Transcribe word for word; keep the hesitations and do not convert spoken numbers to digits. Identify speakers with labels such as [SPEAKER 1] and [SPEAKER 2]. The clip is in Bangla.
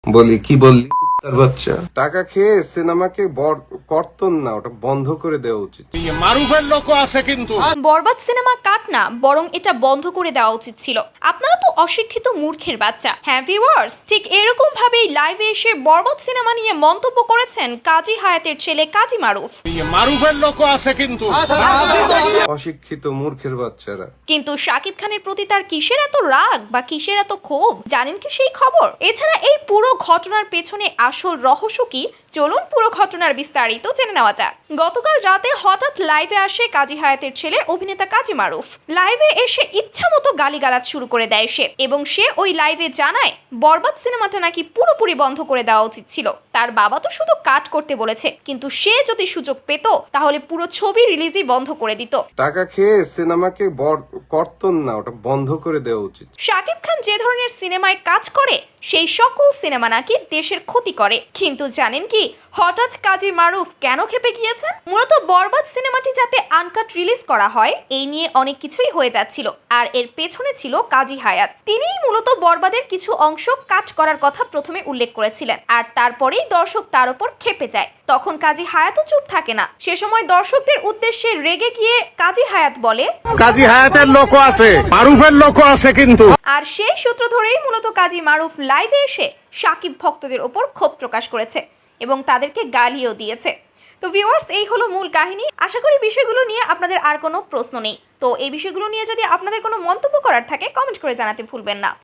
[SPEAKER 1] বলি কি বললি তার বাচ্চা? টাকা খেয়ে সিনেমাকে কর্তন না, ওটা বন্ধ করে দেওয়া উচিত।
[SPEAKER 2] মারুফের লোক আছে কিন্তু।
[SPEAKER 3] বরবাদ সিনেমা কাট না, বরং এটা বন্ধ করে দেওয়া উচিত ছিল। আপনারা তো অশিক্ষিত মূর্খের বাচ্চা। হ্যাঁ ভিউয়ার্স, ঠিক এরকম ভাবেই লাইভে এসে বরবাদ সিনেমা নিয়ে মন্তব্য করেছেন কাজী হায়াতের ছেলে কাজী মারুফ।
[SPEAKER 2] মারুফের লোক আছে কিন্তু।
[SPEAKER 1] অশিক্ষিত মূর্খের বাচ্চারা।
[SPEAKER 3] কিন্তু শাকিব খানের প্রতি তার কিসের এত রাগ বা কিসের এত ক্ষোভ, জানেন কি সেই খবর? এছাড়া এই পুরো ঘটনার পেছনে আসল রহস্য কি, চলুন পুরো ঘটনার বিস্তারিত জেনে নেওয়া যাক। গতকাল রাতে হঠাৎ লাইভে আসে কাজী হায়াতের ছেলে অভিনেতা কাজী মারুফ। লাইভে এসে ইচ্ছা মতো গালিগালাজ শুরু করে দেয় সে, এবং সে ওই লাইভে জানায় বরবাদ সিনেমাটা নাকি পুরোপুরি বন্ধ করে দেওয়া উচিত ছিল। তার বাবা তো শুধু কাট করতে বলেছে, কিন্তু সে যদি সুযোগ পেত তাহলে পুরো ছবি রিলিজই বন্ধ করে দিত।
[SPEAKER 1] টাকা খেয়ে সিনেমাকে কর্তন না, ওটা বন্ধ করে দেওয়া উচিত।
[SPEAKER 3] শাকিব খান যে ধরনের সিনেমায় কাজ করে সেই সকল সিনেমা নাকি দেশের ক্ষতি করে। কিন্তু জানেন কি হঠাৎ কাজী মারুফ কেন খেপে গিয়েছেন? মূলত বরবাদ সিনেমাটি যাতে আনকাট রিলিজ করা হয় এই নিয়ে অনেক কিছুই হয়ে যাচ্ছিল, আর এর পেছনে ছিল কাজী হায়াত। তিনিই মূলত বরবাদের কিছু অংশ কাট করার কথা প্রথমে উল্লেখ করেছিলেন, আর তারপরেই দর্শক তার উপর খেপে যায়। তখন কাজী হায়াতও চুপ থাকে না। সে সময় দর্শকদের উদ্দেশ্যে রেগে গিয়ে কাজী হায়াত বলে,
[SPEAKER 2] কাজী হায়াতের লোক আছে, মারুফের লোক আছে কিন্তু।
[SPEAKER 3] আর সেই সূত্র ধরেই মূলত কাজী মারুফ লাইভে এসে শাকিব ভক্তদের ওপর ক্ষোভ প্রকাশ করেছে এবং তাদেরকে গালিও দিয়েছে। তো ভিউয়ার্স, এই হলো মূল কাহিনী। আশা করি বিষয়গুলো নিয়ে আপনাদের আর কোনো প্রশ্ন নেই। তো এই বিষয়গুলো নিয়ে যদি আপনাদের কোনো মন্তব্য করার থাকে কমেন্ট করে জানাতে ভুলবেন না।